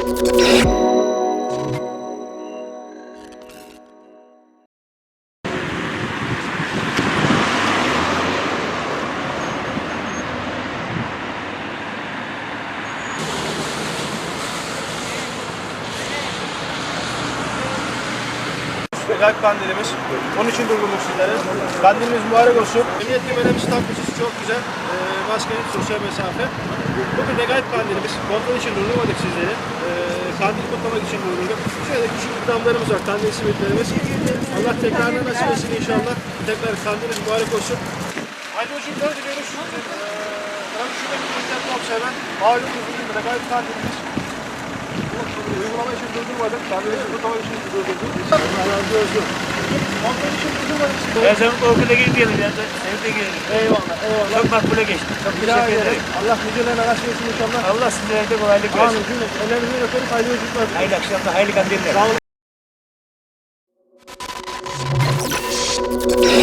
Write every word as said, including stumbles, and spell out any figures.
Galip kandilimiz. Onun için durdurduk sizlere. Kandilimiz mübarek olsun. Emniyet kemerimiz takmışız, çok güzel. Ee, maskeniz, sosyal mesafe. Bugün de Galip kandilimiz. Kontrol için durdurmadık sizleri. Ee, kandil kutlamak için durdurduk. Şöyle küçük ikramlarımız var, kandil simitlerimiz. Allah tekrarına nasip etsin inşallah. Tekrar kandilimiz mübarek olsun. Haydi hocamlar diliyoruz. Ee, tabii şurada bir internet olsa hemen. Malum bugün de Galip kandilimiz. Uygulama için durdurmadık. Kandilimizi kutlamak için durdurduk. Allah razı olsun. Kontrol için durdurmadık sizleri. Ben senin korkuyla gidiyorum ya. Senin de gidiyorum. Eyvallah, eyvallah. Çok makbule geçti. Çok teşekkür ederim. Allah nicelerine nasip etsin inşallah. Allah sizlere de kolaylık versin. Amin. Cümle. Ellerinizden öperiz. Hayırlı yolculuklar. Hayırlı akşamlar, hayırlı kandiller. Sağ olun.